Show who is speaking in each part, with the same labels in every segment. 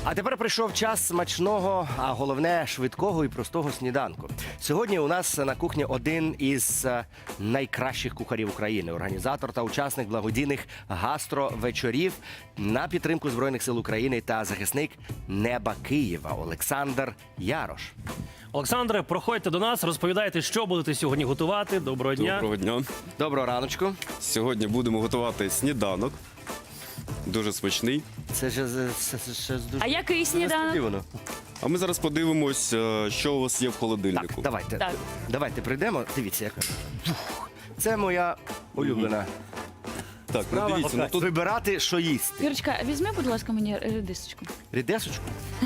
Speaker 1: А тепер прийшов час смачного, а головне швидкого і простого сніданку. Сьогодні у нас на кухні один із найкращих кухарів України, організатор та учасник благодійних гастровечорів на підтримку Збройних сил України та захисник неба Києва Олександр Ярош.
Speaker 2: Олександре, проходьте до нас, розповідайте, що будете сьогодні готувати. Доброго дня.
Speaker 3: Доброго дня.
Speaker 1: Доброго раночку.
Speaker 3: Сьогодні будемо готувати сніданок. Дуже смачний.
Speaker 1: Це ж дуже
Speaker 4: А який сніданок?
Speaker 1: несподівано.
Speaker 3: А ми зараз подивимось, що у вас є в холодильнику.
Speaker 1: Так, давайте.
Speaker 4: Так.
Speaker 1: Давайте прийдемо. Дивіться, яка. Це моя улюблена
Speaker 3: Так, ну
Speaker 1: справа.
Speaker 3: дивіться, ну тут
Speaker 1: Вибирати, що їсти.
Speaker 4: Юрочка, візьми, будь ласка, мені редисочку.
Speaker 1: Рідесочку?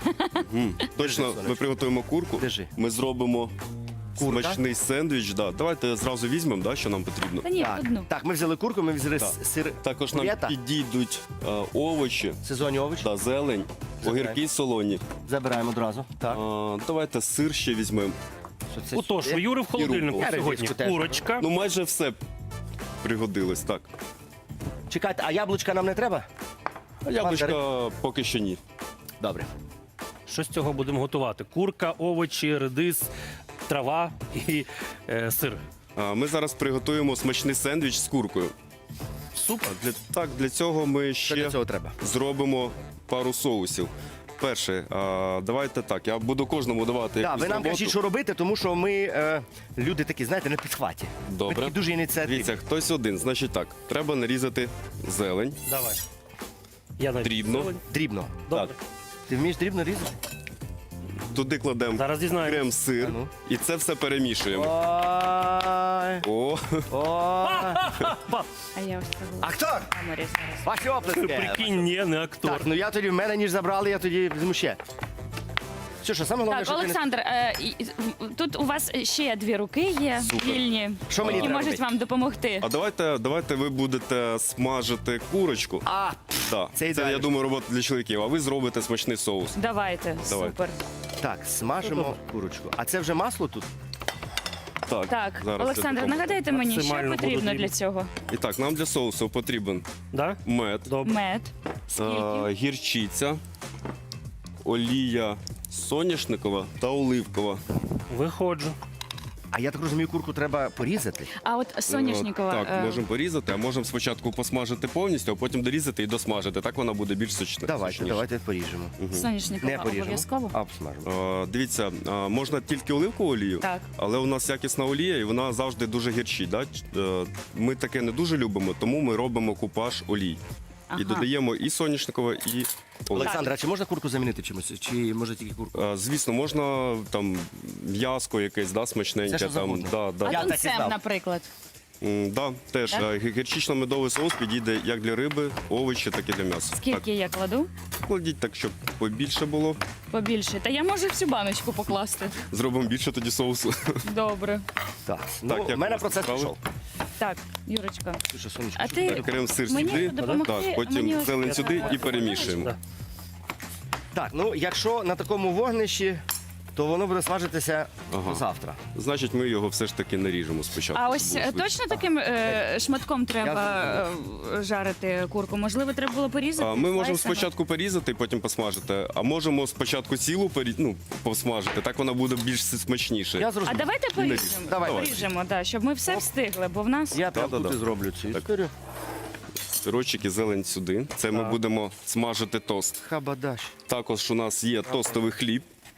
Speaker 3: точно ми приготуємо курку.
Speaker 1: Держи.
Speaker 3: Ми зробимо
Speaker 1: Курка?
Speaker 3: смачний сендвіч. Да. Давайте зразу візьмемо, да, що нам потрібно.
Speaker 4: Та ні,
Speaker 1: Так.
Speaker 4: одну.
Speaker 1: Так, ми взяли курку, ми взяли
Speaker 3: Так.
Speaker 1: сир.
Speaker 3: Також нам
Speaker 1: Фета.
Speaker 3: підійдуть овочі,
Speaker 1: Сезонні овочі.
Speaker 3: да, зелень, огірки солоні.
Speaker 1: Забираємо одразу. Так.
Speaker 3: Давайте сир ще візьмемо.
Speaker 1: Що це
Speaker 2: Отож,
Speaker 1: сюди?
Speaker 2: у Юри в холодильнику
Speaker 3: руколу.
Speaker 2: сьогодні
Speaker 1: Редиску теж.
Speaker 2: курочка.
Speaker 3: Ну майже все пригодилось, так.
Speaker 1: Чекайте, а яблучка нам не треба?
Speaker 3: А яблучка поки що ні.
Speaker 1: Добре.
Speaker 2: Що з цього будемо готувати? Курка, овочі, редис, трава і сир.
Speaker 3: Ми зараз приготуємо смачний сендвіч з куркою.
Speaker 2: Супер.
Speaker 3: Для цього ми
Speaker 1: Що
Speaker 3: ще
Speaker 1: для цього треба?
Speaker 3: зробимо пару соусів. Перше, давайте так, я буду кожному давати
Speaker 1: Так,
Speaker 3: якусь
Speaker 1: ви нам
Speaker 3: роботу.
Speaker 1: кажіть, що робити, тому що ми люди такі, знаєте, на підхваті. Ми
Speaker 3: Добре.
Speaker 1: такі дуже ініціативні.
Speaker 3: Дивіться, хтось один. Значить так, треба нарізати зелень.
Speaker 2: Давай. Я навіть
Speaker 3: Дрібно.
Speaker 2: зелень.
Speaker 1: Дрібно.
Speaker 2: Добре.
Speaker 1: Ти вмієш дрібно різати?
Speaker 3: Туди кладемо
Speaker 2: Зараз дізнаємось.
Speaker 3: крем-сир
Speaker 1: А ну.
Speaker 3: і це все перемішуємо.
Speaker 1: Ой,
Speaker 3: О,
Speaker 1: ой.
Speaker 4: А я ось це була.
Speaker 1: Актор!
Speaker 4: в камері зараз.
Speaker 1: Ваші оплески.
Speaker 2: Прикинь, ні, не актор.
Speaker 1: Так, ну я тоді, в мене ніж забрали, я тоді візьму ще. Що, саме головне,
Speaker 4: Так,
Speaker 1: що ти не...
Speaker 4: Олександр, тут у вас ще дві руки є
Speaker 3: Супер.
Speaker 4: вільні,
Speaker 1: Що мені
Speaker 4: які
Speaker 1: треба
Speaker 4: можуть
Speaker 1: робити?
Speaker 4: вам допомогти.
Speaker 3: а давайте ви будете смажити курочку.
Speaker 1: А,
Speaker 3: Да.
Speaker 1: це
Speaker 3: Це,
Speaker 1: ідеально.
Speaker 3: я думаю, робота для чоловіків, а ви зробите смачний соус.
Speaker 4: Давайте,
Speaker 3: Давай.
Speaker 4: супер.
Speaker 1: так, смажимо курочку. А це вже масло тут?
Speaker 3: Так,
Speaker 4: Так,
Speaker 3: зараз я
Speaker 4: Олександр,
Speaker 3: допоможу.
Speaker 4: нагадайте мені, що
Speaker 2: Максимально
Speaker 4: потрібно
Speaker 2: буду
Speaker 4: для цього?
Speaker 3: І так, нам для соусу потрібен
Speaker 2: Да?
Speaker 3: мед,
Speaker 2: Добре.
Speaker 4: Мед. Скільки?
Speaker 3: гірчиця, олія соняшникова та оливкова.
Speaker 2: Виходжу.
Speaker 1: А я так розумію, курку треба порізати.
Speaker 4: А от соняшникова.
Speaker 3: Так, можемо порізати, а можемо спочатку посмажити повністю, а потім дорізати і досмажити. Так вона буде більш сочна.
Speaker 1: Давайте поріжемо. Не
Speaker 4: Соняшникова
Speaker 1: поріжемо,
Speaker 4: обов'язково?
Speaker 1: а обсмажимо.
Speaker 3: Дивіться, можна тільки оливкову олію,
Speaker 4: Так.
Speaker 3: але у нас якісна олія і вона завжди дуже гірчить. Да? Ми таке не дуже любимо, тому ми робимо купаж олій.
Speaker 4: Ага.
Speaker 3: І додаємо і соняшникове, і оливкове.
Speaker 1: Олександр, а чи можна курку замінити чимось? Чи може тільки курку?
Speaker 3: Звісно, можна там м'яско якесь, да, смачненьке.
Speaker 1: Все, що
Speaker 3: там,
Speaker 1: завгодно.
Speaker 3: да, да.
Speaker 4: А
Speaker 1: Я так і
Speaker 4: тунцем,
Speaker 1: знав.
Speaker 4: наприклад.
Speaker 3: Да, теж
Speaker 4: Так?
Speaker 3: гірчично-медовий соус підійде як для риби, овочі, так і для м'яса.
Speaker 4: Скільки я кладу?
Speaker 3: Так, кладіть так, щоб побільше було.
Speaker 4: Побільше. Та я можу всю баночку покласти.
Speaker 3: Зробимо більше тоді соусу.
Speaker 4: Добре.
Speaker 1: Так,
Speaker 3: як
Speaker 1: ну,
Speaker 3: у
Speaker 1: в мене
Speaker 3: вас
Speaker 1: процес
Speaker 3: справи?
Speaker 1: пішов.
Speaker 4: Так, Юрочка.
Speaker 1: Слушай, сонечко,
Speaker 4: А
Speaker 1: що
Speaker 4: ти-
Speaker 1: ти робиш?
Speaker 3: Крем-сир
Speaker 4: Мені
Speaker 3: сюди,
Speaker 4: допомогти?
Speaker 3: так, потім
Speaker 4: Мені ось
Speaker 3: зелень
Speaker 4: це
Speaker 3: сюди
Speaker 4: треба.
Speaker 3: і перемішуємо.
Speaker 2: Да.
Speaker 1: Так, ну якщо на такому вогнищі, то воно буде смажитися
Speaker 3: Ага.
Speaker 1: завтра.
Speaker 3: Значить, ми його все ж таки наріжемо спочатку.
Speaker 4: А
Speaker 3: щоб
Speaker 4: ось
Speaker 3: було швидше.
Speaker 4: точно таким шматком треба жарити курку? Можливо, треба було порізати?
Speaker 3: Ми можемо
Speaker 4: слайсами?
Speaker 3: спочатку порізати, потім посмажити, а можемо спочатку цілу посмажити, так вона буде більш смачніше.
Speaker 1: Я
Speaker 4: А
Speaker 1: зрозумів.
Speaker 4: давайте поріжемо.
Speaker 1: Давай.
Speaker 4: Поріжемо, да, щоб ми все встигли, бо в нас...
Speaker 1: Я прям
Speaker 3: Да-да-да.
Speaker 1: тут і зроблю цю історію.
Speaker 3: Сирочок і зелень сюди. Це ми будемо смажити тост.
Speaker 1: Хабадаш.
Speaker 3: Також у нас є тостовий хліб.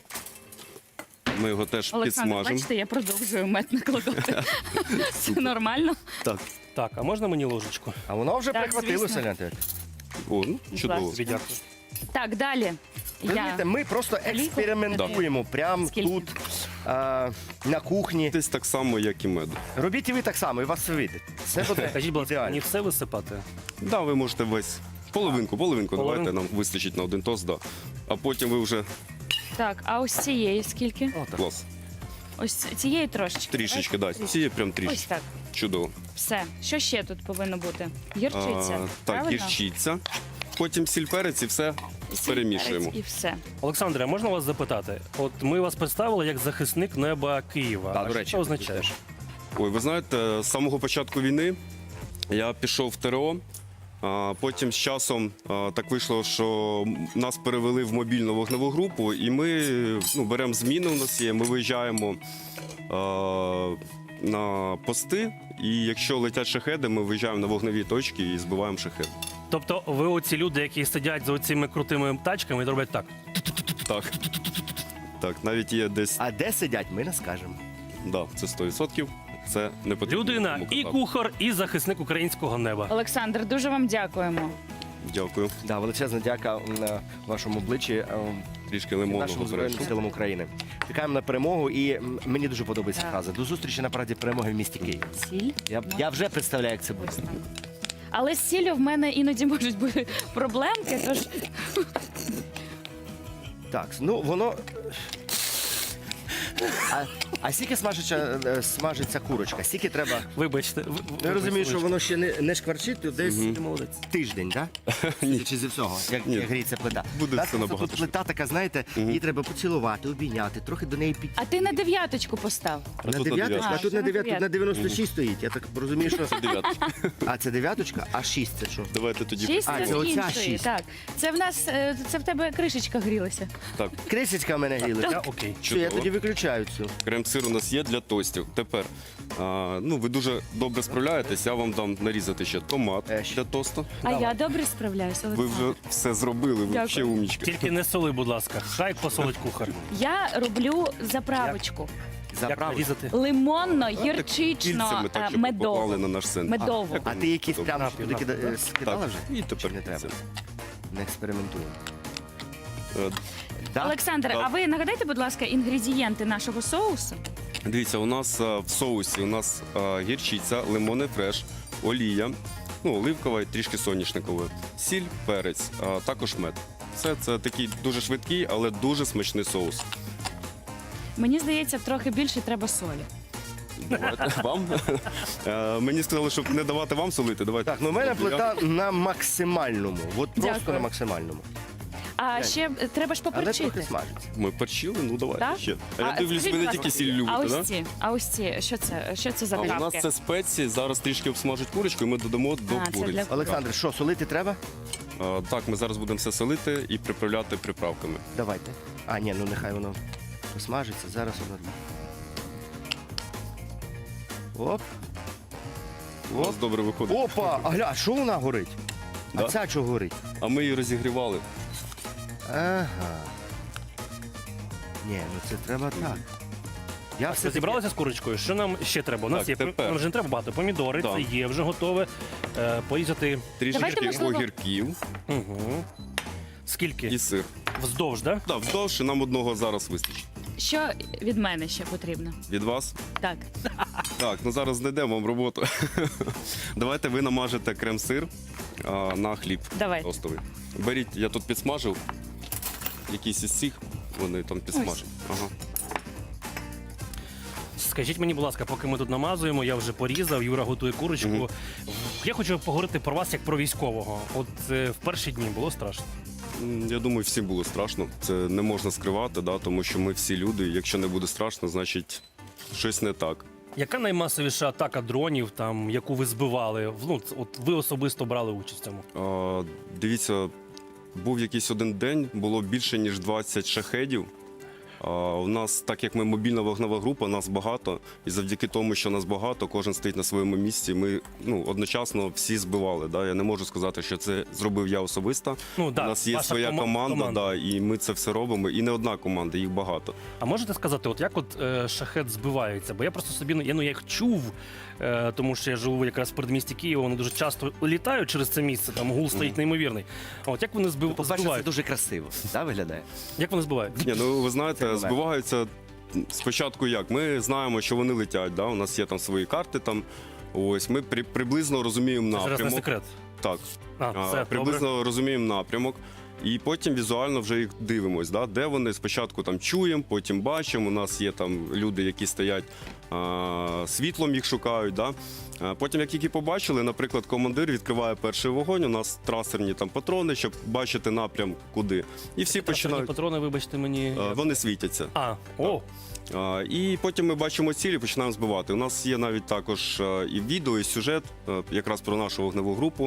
Speaker 3: Ми його теж
Speaker 4: Олександр,
Speaker 3: підсмажимо.
Speaker 4: бачите, я продовжую мед накладати. Це нормально?
Speaker 3: Так.
Speaker 2: Так, а можна мені ложечку?
Speaker 1: А воно вже
Speaker 4: Так,
Speaker 1: прихватилося,
Speaker 4: звісно.
Speaker 1: гляньте.
Speaker 3: О, ну, чудово.
Speaker 2: Тобі дякую.
Speaker 4: Так, далі.
Speaker 1: Ви знаєте, ми просто експериментуємо прямо
Speaker 4: Скільки?
Speaker 1: тут, на кухні.
Speaker 3: Десь так само, як і мед.
Speaker 1: Робіть і ви так само, і у вас все вийде. Це буде
Speaker 2: Кажіть, будь ласка,
Speaker 1: ідеально.
Speaker 2: мені все висипати?
Speaker 3: Да, ви можете весь. Половинку,
Speaker 2: Половинку?
Speaker 3: давайте нам вистачить на один тост, да. А потім ви вже
Speaker 4: Так, а ось цієї скільки?
Speaker 1: Отак.
Speaker 3: клас.
Speaker 4: Ось цієї трошечки.
Speaker 3: Трішечки,
Speaker 4: Давайте.
Speaker 3: да. Цієї прям
Speaker 4: Ось
Speaker 3: трішечки.
Speaker 4: так.
Speaker 3: Чудово.
Speaker 4: Все. Що ще тут повинно бути? Гірчиця.
Speaker 3: Так,
Speaker 4: правильно?
Speaker 3: гірчиця. Потім сіль, перець і все
Speaker 4: Сіль,
Speaker 3: перемішуємо.
Speaker 4: перець І все.
Speaker 2: Олександре, а можна вас запитати? От ми вас представили як захисник неба Києва.
Speaker 1: Да,
Speaker 2: А
Speaker 1: до
Speaker 2: що
Speaker 1: речі,
Speaker 2: це означає?
Speaker 3: Ой, ви знаєте, з самого початку війни я пішов в ТРО. Потім з часом так вийшло, що нас перевели в мобільну вогневу групу, і ми беремо зміни. У нас є, ми виїжджаємо на пости, і якщо летять шахеди, ми виїжджаємо на вогневі точки і збиваємо шахеди.
Speaker 2: Тобто ви оці люди, які сидять за оцими крутими тачками і роблять так.
Speaker 3: Так. Так, навіть є десь,
Speaker 1: А де сидять, ми не скажемо.
Speaker 3: да, це 100%. Це не потрібно.
Speaker 2: Людина
Speaker 3: нікому
Speaker 2: і
Speaker 3: казати.
Speaker 2: кухар, і захисник українського неба.
Speaker 4: Олександр, дуже вам дякуємо.
Speaker 3: Дякую.
Speaker 1: Да, величезна дяка на вашому обличчі.
Speaker 3: Трішки
Speaker 1: Нашим
Speaker 3: лимонного
Speaker 1: Збройним
Speaker 3: перейшов.
Speaker 1: силам України. Чекаємо на перемогу, і мені дуже подобається
Speaker 4: Так.
Speaker 1: фраза. До зустрічі на параді перемоги в місті Київ.
Speaker 4: Сіль.
Speaker 1: Я вже представляю, як це буде.
Speaker 4: Ось так. Але з сіллю в мене іноді можуть бути проблемки, тож
Speaker 1: Так, ну воно. А скільки смажиться курочка? Скільки треба?
Speaker 2: Вибачте.
Speaker 1: Я розумію, що воно ще не шкварчить, то десь
Speaker 2: Ти молодець.
Speaker 1: тиждень, так?
Speaker 3: Ні.
Speaker 1: Чи зі всього, як
Speaker 3: Ні.
Speaker 1: гріється плита.
Speaker 3: Буде
Speaker 1: Так,
Speaker 3: все
Speaker 1: просто
Speaker 3: набагато
Speaker 1: тут плита така, знаєте, її треба поцілувати, обійняти, трохи до неї підійти.
Speaker 4: а ти на 9 постав.
Speaker 3: А
Speaker 1: На
Speaker 3: тут на
Speaker 1: 9,
Speaker 3: дев'ятку.
Speaker 1: а тут на
Speaker 4: на
Speaker 1: 9, тут на
Speaker 4: 9.
Speaker 1: 96 стоїть. Я так розумію, що.
Speaker 3: Це 9.
Speaker 1: А це 9, а 6 це що?
Speaker 3: Давайте тоді.
Speaker 4: 6
Speaker 1: А,
Speaker 4: це
Speaker 1: це
Speaker 4: з
Speaker 1: оця
Speaker 4: іншої.
Speaker 1: 6.
Speaker 4: Так. Це в нас це в тебе кришечка грілася.
Speaker 3: Так,
Speaker 1: Крисечка в мене гріла.
Speaker 2: Я окей.
Speaker 1: Що, я
Speaker 3: чудово.
Speaker 1: тоді виключаю цю.
Speaker 3: Крем-сир у нас є для тостів. Тепер, ви дуже добре справляєтесь, я вам дам нарізати ще томат
Speaker 1: Ще.
Speaker 3: для тосту.
Speaker 4: А я добре справляюся.
Speaker 3: Ви вже все зробили, ви
Speaker 4: Дякую.
Speaker 3: ще умнічки.
Speaker 2: Тільки не соли, будь ласка. Хай посолить кухар.
Speaker 4: Я роблю заправочку.
Speaker 2: Як
Speaker 1: Заправ.
Speaker 2: нарізати?
Speaker 4: Лимонно,
Speaker 3: Кільцями
Speaker 4: гірчично,
Speaker 3: так, щоб ви поклали
Speaker 4: медово.
Speaker 3: на наш сендвіч.
Speaker 4: Медово.
Speaker 1: А ти якісь
Speaker 3: Добре.
Speaker 1: прямо туди скидала
Speaker 3: Так,
Speaker 1: вже?
Speaker 3: і тепер
Speaker 1: Чи не треба?
Speaker 3: це.
Speaker 1: Не експериментуємо.
Speaker 3: Е,
Speaker 1: Да?
Speaker 4: Олександр,
Speaker 3: Так.
Speaker 4: а ви нагадайте, будь ласка, інгредієнти нашого соусу?
Speaker 3: Дивіться, у нас в соусі у нас гірчиця, лимонний фреш, олія, оливкова і трішки соняшникової, сіль, перець, також мед. Все це такий дуже швидкий, але дуже смачний соус.
Speaker 4: Мені здається, трохи більше треба солі.
Speaker 3: Давайте вам. Мені сказали, щоб не давати вам солити. Давайте.
Speaker 1: Так, ну в мене
Speaker 3: Я-
Speaker 1: плита на максимальному. От просто
Speaker 4: Дякую.
Speaker 1: на максимальному.
Speaker 4: А ще треба ж
Speaker 1: Але трохи
Speaker 4: поперчити.
Speaker 1: смажиться.
Speaker 3: Ми перчили, ну давайте
Speaker 4: Так?
Speaker 3: ще. А я дивлюсь,
Speaker 4: скажіть,
Speaker 3: ви не
Speaker 4: будь
Speaker 3: тільки
Speaker 4: ласка,
Speaker 3: сіль любите,
Speaker 4: а
Speaker 3: так?
Speaker 4: ось ці, а ось ці, що це за
Speaker 3: А у нас
Speaker 4: травки?
Speaker 3: це спеції, зараз трішки обсмажуть курочку і ми додамо до
Speaker 4: А, це
Speaker 3: куриці.
Speaker 4: для-
Speaker 1: Олександр, що, солити треба?
Speaker 3: Так, ми зараз будемо все солити і приправляти приправками.
Speaker 1: Давайте. А, ні, ну нехай воно посмажиться. Зараз воно. Оп.
Speaker 3: У нас добре виходить.
Speaker 1: Опа! А гля, а що вона горить? А
Speaker 3: Да.
Speaker 1: ця чого горить?
Speaker 3: А ми її розігрівали.
Speaker 1: Ага. Ні, ну це треба так. Я все
Speaker 2: Зібралися з курочкою. Що нам ще треба? У нас
Speaker 3: Так,
Speaker 2: є
Speaker 3: тепер.
Speaker 2: нам вже не треба багато. Помідори,
Speaker 3: Так.
Speaker 2: це є вже готове. Порізати.
Speaker 4: Давайте,
Speaker 3: Трішки
Speaker 4: можливо-
Speaker 3: огірків
Speaker 2: Угу.
Speaker 3: і
Speaker 2: Скільки?
Speaker 3: сир.
Speaker 2: Вздовж, так?
Speaker 3: Так, вздовж і нам одного зараз вистачить.
Speaker 4: Що від мене ще потрібно?
Speaker 3: Від вас?
Speaker 4: Так.
Speaker 3: Так, ну зараз знайдемо вам роботу. Давайте ви намажете крем-сир на хліб
Speaker 4: Давайте.
Speaker 3: тостовий. Беріть, я тут підсмажив. Якісь із цих, вони там підсмажать. Ага.
Speaker 2: Скажіть мені, будь ласка, поки ми тут намазуємо, я вже порізав, Юра готує курочку. Я хочу поговорити про вас як про військового. От в перші дні було страшно.
Speaker 3: Я думаю, всім було страшно. Це не можна скривати, да, тому що ми всі люди. Якщо не буде страшно, значить щось не так.
Speaker 2: Яка наймасовіша атака дронів, там, яку ви збивали? Ну, от ви особисто брали участь в цьому.
Speaker 3: Дивіться, був якийсь один день, було більше, ніж 20 шахедів. У нас, так як ми мобільна вогнева група, нас багато, і завдяки тому, що нас багато, кожен стоїть на своєму місці. Ми одночасно всі збивали. Да? Я не можу сказати, що це зробив я особисто.
Speaker 2: Ну, да,
Speaker 3: У нас є
Speaker 2: ваша
Speaker 3: своя команда,
Speaker 2: команда.
Speaker 3: да, і ми це все робимо. І не одна команда, їх багато.
Speaker 2: А можете сказати, от як шахет збивається? Бо я просто собі я їх чув, тому що я живу якраз в передмісті Києва, вони дуже часто літають через це місце, там гул стоїть неймовірний. А от як вони
Speaker 1: По-перше, це
Speaker 2: збивають?
Speaker 1: дуже красиво. Так виглядає?
Speaker 2: Як вони збивають?
Speaker 3: Ні, ну ви
Speaker 1: Це
Speaker 3: знаєте,
Speaker 1: буває.
Speaker 3: збиваються спочатку як? Ми знаємо, що вони летять, да? У нас є там свої карти. Там. Ось ми приблизно розуміємо
Speaker 2: Це зараз не
Speaker 3: напрямок.
Speaker 2: секрет.
Speaker 3: Так.
Speaker 2: Все,
Speaker 3: Приблизно
Speaker 2: добре.
Speaker 3: розуміємо напрямок. І потім візуально вже їх дивимось, да? Де вони спочатку там чуємо, потім бачимо. У нас є там люди, які стоять світлом, їх шукають. Да? Потім, як тільки побачили, наприклад, командир відкриває перший вогонь. У нас трасерні там патрони, щоб бачити напрям куди. І всі
Speaker 2: Трасерні
Speaker 3: починають.
Speaker 2: патрони, вибачте мені.
Speaker 3: Вони світяться.
Speaker 2: О,
Speaker 3: І потім ми бачимо цілі і починаємо збивати. У нас є навіть також і відео, і сюжет якраз про нашу вогневу групу.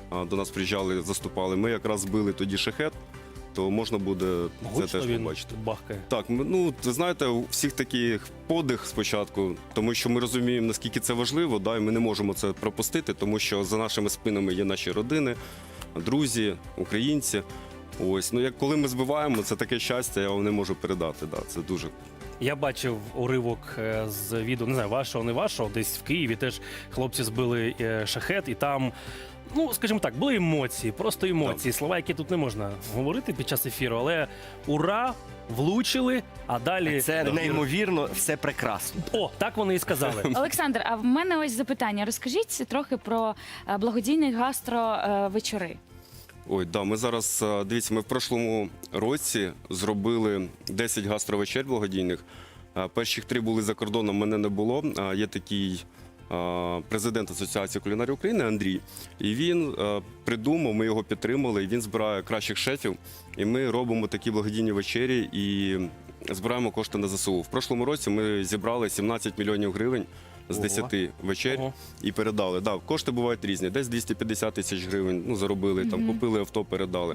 Speaker 3: до нас приїжджали, заступали. Ми якраз збили тоді шахет, то можна буде це
Speaker 2: Гучно
Speaker 3: теж
Speaker 2: він
Speaker 3: побачити.
Speaker 2: бахкає.
Speaker 3: Так, ну ви знаєте, у всіх таких подих спочатку, тому що ми розуміємо, наскільки це важливо, да, і ми не можемо це пропустити, тому що за нашими спинами є наші родини, друзі, українці. Ось, ну як коли ми збиваємо, це таке щастя, я вам не можу передати. Да, це дуже.
Speaker 2: Я бачив уривок з відео, не знаю, вашого, не вашого, десь в Києві теж хлопці збили шахет, і там, ну, скажімо так, були емоції, просто емоції, слова, які тут не можна говорити під час ефіру, але ура, влучили, а далі...
Speaker 1: Це неймовірно, все прекрасно.
Speaker 2: О, так вони і сказали.
Speaker 4: Олександр, а в мене ось запитання. Розкажіть трохи про благодійні гастровечори.
Speaker 3: Ой, да, ми зараз, дивіться, ми в прошлому році зробили 10 гастровечер благодійних. Перших 3 були за кордоном, мене не було. Є такий президент Асоціації кулінарів України Андрій. І він придумав, ми його підтримали, і він збирає кращих шефів. І ми робимо такі благодійні вечері і збираємо кошти на ЗСУ. В прошлому році ми зібрали 17 мільйонів гривень з
Speaker 1: Ого.
Speaker 3: 10 вечер
Speaker 2: Ого.
Speaker 3: і передали. Да, кошти бувають різні. Десь 250 тисяч гривень заробили, там купили авто, передали.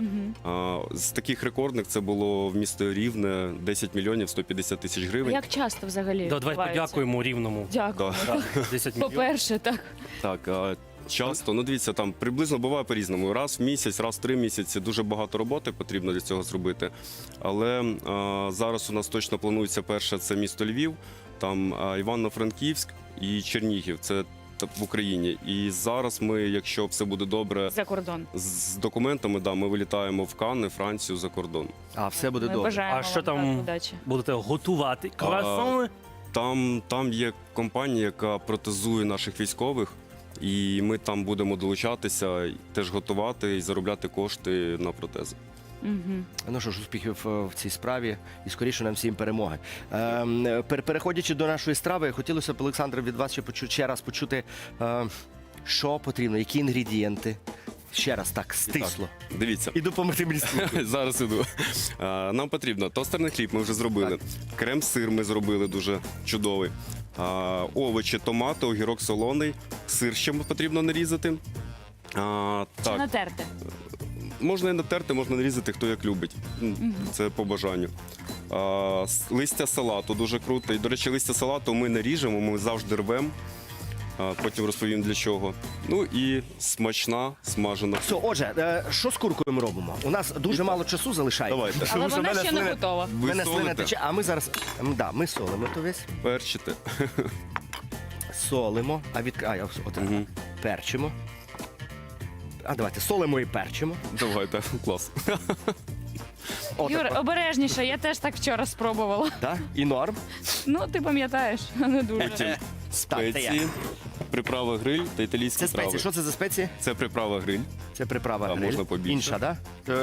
Speaker 3: З таких рекордних це було в місто Рівне 10 мільйонів 150 тисяч гривень.
Speaker 4: Як часто взагалі
Speaker 2: Давай
Speaker 4: відбувається?
Speaker 2: подякуємо Рівному.
Speaker 4: Дякую.
Speaker 3: Да.
Speaker 2: 10 мільйонів.
Speaker 4: По-перше, так.
Speaker 3: Так, часто, ну дивіться, там приблизно буває по-різному. Раз в місяць, раз в 3 місяці. Дуже багато роботи потрібно для цього зробити. Але зараз у нас точно планується перше, це місто Львів, там Івано-Франківськ і Чернігів. Це в Україні. І зараз ми, якщо все буде добре
Speaker 4: За кордон.
Speaker 3: з документами, да, ми вилітаємо в Канни, Францію, за кордон.
Speaker 1: А все буде
Speaker 4: Ми
Speaker 1: добре.
Speaker 4: бажаємо
Speaker 2: А що
Speaker 4: вам
Speaker 2: там?
Speaker 4: удачі.
Speaker 2: Будете готувати круасани?
Speaker 3: Там є компанія, яка протезує наших військових, і ми там будемо долучатися, і теж готувати і заробляти кошти на протези.
Speaker 4: Мгм.
Speaker 1: Ну що ж, успіхів в цій справі і скоріше нам всім перемоги. Переходячи до нашої страви, хотілося б, Олександр, від вас ще раз почути, що потрібно, які інгредієнти. Ще раз так, стисло.
Speaker 3: Так, дивіться.
Speaker 1: І допомогти мені.
Speaker 3: Зараз іду. Нам потрібно тостерний хліб, ми вже зробили. Крем-сир ми зробили дуже чудовий. Овочі, томати, огірок солоний, сир ще потрібно нарізати.
Speaker 4: Чи
Speaker 3: Так,
Speaker 4: натерти?
Speaker 3: можна і натерти, можна нарізати, хто як любить. Це по бажанню. Листя салату дуже круто. І, до речі, листя салату ми не ріжемо, ми завжди рвемо. Потім розповім для чого. Ну і смачна смажена.
Speaker 1: Все, отже, що з куркою ми робимо? У нас дуже мало часу залишається.
Speaker 3: Давайте.
Speaker 4: Але
Speaker 1: Тому що
Speaker 4: вона
Speaker 1: в мене
Speaker 4: ще не
Speaker 1: слина-
Speaker 4: готова.
Speaker 1: в
Speaker 3: Ви
Speaker 1: мене слина
Speaker 3: солите?
Speaker 1: тече, а ми зараз. Да, ми солимо то весь.
Speaker 3: Перчите.
Speaker 1: Солимо,
Speaker 3: Мгм.
Speaker 1: перчимо. А давайте солимо і перчимо.
Speaker 3: Давайте, клас.
Speaker 4: Юр, обережніше, я теж так вчора спробувала.
Speaker 1: Да? І норм.
Speaker 4: Ну, ти пам'ятаєш, не дуже.
Speaker 3: Потім
Speaker 1: Так, це я.
Speaker 3: спеції, приправа гриль та італійські
Speaker 1: Це спеції.
Speaker 3: трави.
Speaker 1: Що це за спеції?
Speaker 3: Це приправа гриль.
Speaker 1: Це приправа.
Speaker 3: А,
Speaker 1: гриль.
Speaker 3: можна побільше.
Speaker 1: Інша, да?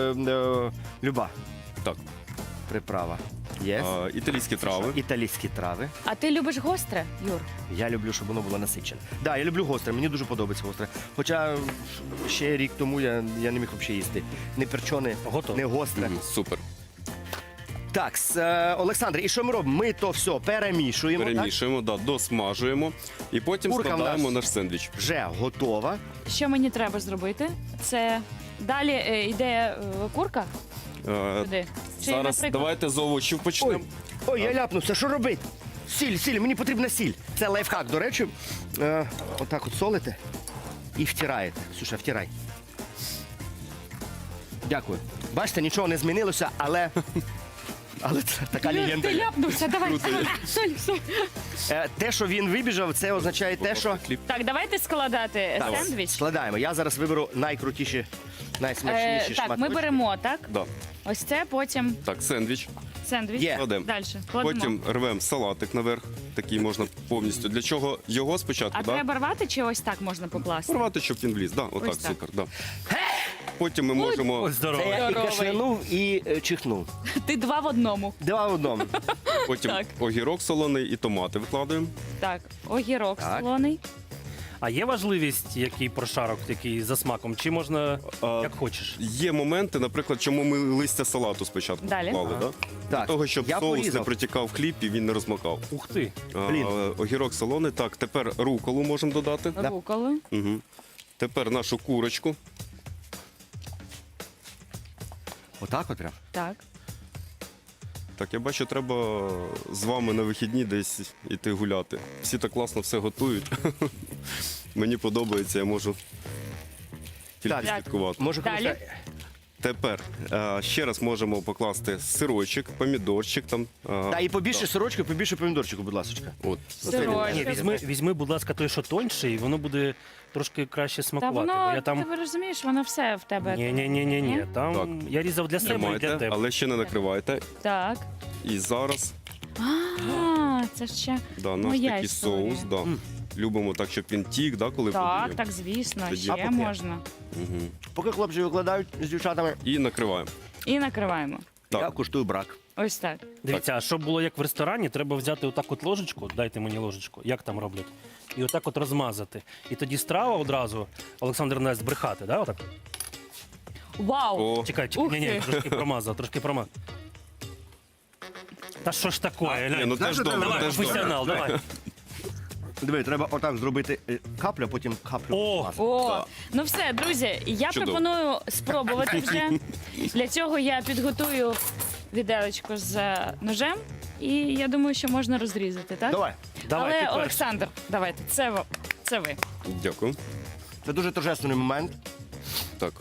Speaker 1: Люба
Speaker 3: Так.
Speaker 1: приправа. Є.
Speaker 3: Італійські трави.
Speaker 1: Італійські трави.
Speaker 4: А ти любиш гостре, Юр?
Speaker 1: Я люблю, щоб воно було насичене. Да, я люблю гостре, мені дуже подобається гостре. Хоча ще рік тому я не міг взагалі їсти. Не перчоне,
Speaker 2: Готово.
Speaker 1: не гостре.
Speaker 3: Мгм, Супер.
Speaker 1: Так, Олександр, і що ми робимо? Ми то все перемішуємо.
Speaker 3: Перемішуємо, да, досмажуємо і потім
Speaker 1: Курка в
Speaker 3: складаємо
Speaker 1: нас-
Speaker 3: наш сендвіч.
Speaker 1: Так? Вже готова.
Speaker 4: Що мені треба зробити? Це далі йде курка туди? Чи,
Speaker 3: Зараз
Speaker 4: наприклад,
Speaker 3: давайте з овочів
Speaker 1: Ой,
Speaker 3: почнемо.
Speaker 1: ой, я ляпнувся, що робити? Сіль, мені потрібна сіль. Це лайфхак, до речі. Отак от солите і втираєте. Ксюша, втирай. Дякую. Бачите, нічого не змінилося, але це така
Speaker 4: Юр,
Speaker 1: легенда.
Speaker 4: ти ляпнувся, давай.
Speaker 3: Круто.
Speaker 4: Соль.
Speaker 1: Те, що він вибіжав, це означає те, що...
Speaker 3: Хліб.
Speaker 4: Так, давайте складати
Speaker 1: Так,
Speaker 4: сендвіч.
Speaker 1: складаємо. Я зараз виберу найкрутіші, найсмачніші
Speaker 4: Так, ми
Speaker 1: шматочки.
Speaker 4: беремо, так?
Speaker 3: Да.
Speaker 4: Ось це, потім
Speaker 3: Так, сендвіч.
Speaker 4: сендвіч.
Speaker 1: Є.
Speaker 3: Кладемо.
Speaker 4: Далі. Кладемо.
Speaker 3: Потім рвемо салатик наверх. Такий можна повністю. Для чого його спочатку?
Speaker 4: А
Speaker 3: да?
Speaker 4: треба рвати чи ось так можна покласти?
Speaker 3: Порвати, щоб він вліз. Да, отак,
Speaker 4: Ось так.
Speaker 3: супер. Да. Потім ми можемо,
Speaker 2: Ось здорово.
Speaker 1: Це я і
Speaker 4: Здоровий.
Speaker 1: кашлянув, і чихнув.
Speaker 4: Ти 2 в одному.
Speaker 1: Два в одному.
Speaker 3: потім
Speaker 4: Так.
Speaker 3: огірок солоний і томати викладаємо.
Speaker 4: Так, огірок
Speaker 1: Так.
Speaker 4: солоний.
Speaker 2: А є важливість, який прошарок, який за смаком? Чи можна як хочеш?
Speaker 3: Є моменти, наприклад, чому ми листя салату спочатку
Speaker 4: Далі.
Speaker 3: поклали. Да? Для
Speaker 1: Так,
Speaker 3: того, щоб
Speaker 1: я
Speaker 3: соус
Speaker 1: порізав.
Speaker 3: не протікав в хліб і він не розмокав.
Speaker 2: Ух ти!
Speaker 1: Блін.
Speaker 3: Огірок солоний. Так, тепер руколу можемо додати.
Speaker 4: Руколу.
Speaker 3: Угу. Тепер нашу курочку.
Speaker 1: Отак от прям.
Speaker 4: Так.
Speaker 3: Так, я бачу, треба з вами на вихідні десь іти гуляти. Всі так класно все готують. Мені подобається, я можу тільки
Speaker 1: Так.
Speaker 3: слідкувати.
Speaker 1: Може,
Speaker 4: Далі.
Speaker 1: комусь-
Speaker 3: Тепер ще раз можемо покласти сирочок, помідорчик там.
Speaker 1: Та і побільше сирочку, побільше помідорчику, будь ласка.
Speaker 3: От.
Speaker 4: Сирочок.
Speaker 2: Ні, візьми, будь ласка, той, що тоньше, і воно буде трошки краще
Speaker 4: Та
Speaker 2: смакувати.
Speaker 4: воно,
Speaker 2: Бо я там...
Speaker 4: ти розумієш, воно все в тебе.
Speaker 2: Ні. Там
Speaker 3: Так.
Speaker 2: я різав для себе і для
Speaker 3: Тримайте,
Speaker 2: тебе.
Speaker 3: але ще не накривайте.
Speaker 4: Так.
Speaker 3: І зараз
Speaker 4: Це ще
Speaker 3: наш
Speaker 4: моя
Speaker 3: такий
Speaker 4: історія.
Speaker 3: соус. Любимо так, щоб він тік, коли
Speaker 4: Так,
Speaker 3: подіємо.
Speaker 4: так, звісно,
Speaker 3: Тоді-
Speaker 4: ще
Speaker 1: А поки?
Speaker 4: можна.
Speaker 3: Мгм.
Speaker 1: Поки хлопці викладають з дівчатами,
Speaker 3: І накриваємо.
Speaker 4: І накриваємо.
Speaker 3: Так.
Speaker 1: я куштую брак.
Speaker 4: Ось так.
Speaker 2: Дивіться, а щоб було як в ресторані, треба взяти отак от ложечку, дайте мені ложечку, як там роблять, і отак от розмазати. І тоді страва одразу, Олександр не дасть брехати, да? Отак?
Speaker 4: Вау!
Speaker 3: О,
Speaker 2: Чекай,
Speaker 4: Ух
Speaker 2: ні,
Speaker 4: ти.
Speaker 2: трошки промазав, Та що ж таке?
Speaker 3: Ні, ну
Speaker 1: Знаєш,
Speaker 3: теж
Speaker 1: що
Speaker 3: добре,
Speaker 2: Давай,
Speaker 3: теж добре.
Speaker 2: професіонал, давай.
Speaker 1: Диви, треба отак зробити каплю, а потім каплю.
Speaker 2: О!
Speaker 1: масла.
Speaker 4: О,
Speaker 3: Так.
Speaker 4: ну все, друзі, я
Speaker 3: Чудово.
Speaker 4: пропоную спробувати вже. Для цього я підготую віделечко з ножем, і я думаю, що можна розрізати, так?
Speaker 1: Давай.
Speaker 2: Давай,
Speaker 4: Але
Speaker 2: ти перший.
Speaker 4: Олександр, давайте, це ви.
Speaker 3: Дякую.
Speaker 1: Це дуже торжественний момент.
Speaker 3: Так.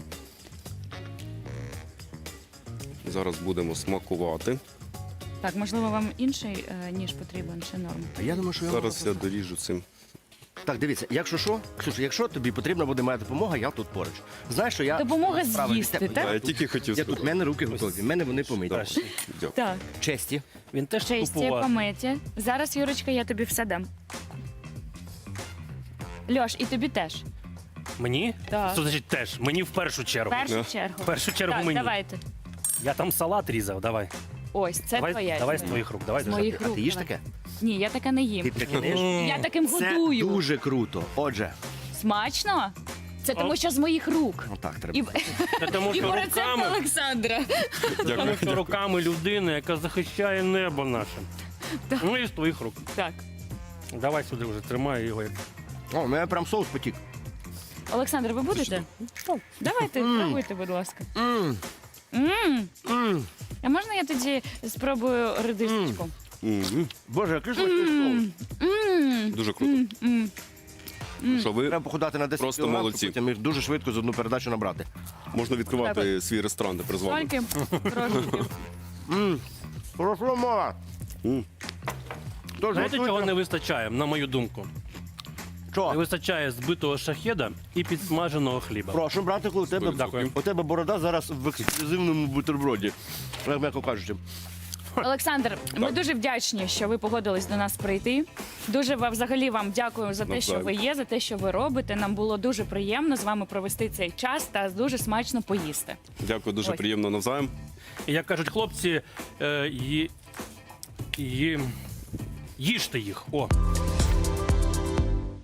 Speaker 3: Зараз будемо смакувати.
Speaker 4: Так, можливо, вам інший ніж потрібен чи норм?
Speaker 1: А я думаю, що я
Speaker 3: Зараз я
Speaker 1: можу.
Speaker 3: доріжу цим.
Speaker 1: Так, дивіться, якщо що, Ксюша, якщо тобі потрібна буде моя допомога, я тут поруч. Знаєш, що я...
Speaker 4: Допомога
Speaker 1: справа від
Speaker 4: з'їсти,
Speaker 1: тебе.
Speaker 4: так?
Speaker 3: А, я тільки хотів
Speaker 1: Я тут, в
Speaker 3: сказати.
Speaker 1: мене руки готові, в мене вони помиті.
Speaker 2: Краще.
Speaker 3: Дякую.
Speaker 4: Так.
Speaker 1: Честі.
Speaker 2: Він теж
Speaker 4: Честі,
Speaker 2: купував.
Speaker 4: помиті. Зараз, Юрочка, я тобі все дам. Льош, і тобі теж.
Speaker 2: Мені?
Speaker 4: Так.
Speaker 2: Що значить теж? Мені в першу
Speaker 4: В
Speaker 2: чергу.
Speaker 4: першу чергу.
Speaker 2: В першу чергу
Speaker 4: Так,
Speaker 2: мені.
Speaker 4: давайте.
Speaker 2: Я там салат різав, давай.
Speaker 4: Ось, це твоя.
Speaker 2: Давай з
Speaker 4: історія.
Speaker 2: твоїх рук, давай.
Speaker 4: З моїх
Speaker 1: А
Speaker 4: рук.
Speaker 1: ти їш
Speaker 4: давай.
Speaker 1: таке?
Speaker 4: Ні, я таке не
Speaker 1: Ти
Speaker 4: їм.
Speaker 1: таке не їш?
Speaker 4: Я таким
Speaker 1: Це
Speaker 4: годую.
Speaker 1: дуже круто. Отже,
Speaker 4: Смачно? Це тому, що з моїх рук.
Speaker 1: отак треба.
Speaker 4: І,
Speaker 2: Та тому
Speaker 4: і
Speaker 2: що
Speaker 4: по рецепту
Speaker 2: руками,
Speaker 4: Олександра.
Speaker 3: Дякую.
Speaker 2: тому що руками людини, яка захищає небо наше. Ну і з твоїх рук.
Speaker 4: Так.
Speaker 2: Давай сюди вже, тримай його. як-
Speaker 1: О, у мене прям соус потік.
Speaker 4: Олександр, ви будете? Давайте, пробуйте, будь ласка.
Speaker 1: М,
Speaker 4: М.
Speaker 1: м.
Speaker 4: А можна я тоді спробую редисочку?
Speaker 3: Мгм.
Speaker 1: Боже, який смачний соус.
Speaker 4: М.
Speaker 3: Дуже круто. Що ви
Speaker 1: Треба похудати на 10
Speaker 3: Просто
Speaker 1: кілограм,
Speaker 3: молодці.
Speaker 1: потім їх дуже швидко з одну передачу набрати.
Speaker 3: можна відкривати свій ресторан тепер з вами.
Speaker 4: Тільки трошки.
Speaker 1: Хорошо, мова.
Speaker 3: М.
Speaker 1: Тож,
Speaker 2: Знаєте,
Speaker 1: готуйте.
Speaker 2: чого не вистачає, на мою думку? Не
Speaker 1: Що?
Speaker 2: вистачає збитого шахеда і підсмаженого хліба.
Speaker 1: Прошу, братику, у тебе,
Speaker 2: Дякую.
Speaker 1: у тебе борода зараз в ексклюзивному бутерброді. Як м'яко кажучи.
Speaker 4: Олександр, ми дуже вдячні, що ви погодились до нас прийти. Дуже взагалі вам дякую за те, що ви є, за те, що ви робите. Нам було дуже приємно з вами провести цей час та дуже смачно поїсти.
Speaker 3: Дякую, дуже
Speaker 4: Ось.
Speaker 3: приємно навзаєм.
Speaker 2: І як кажуть хлопці, їжте їх. О.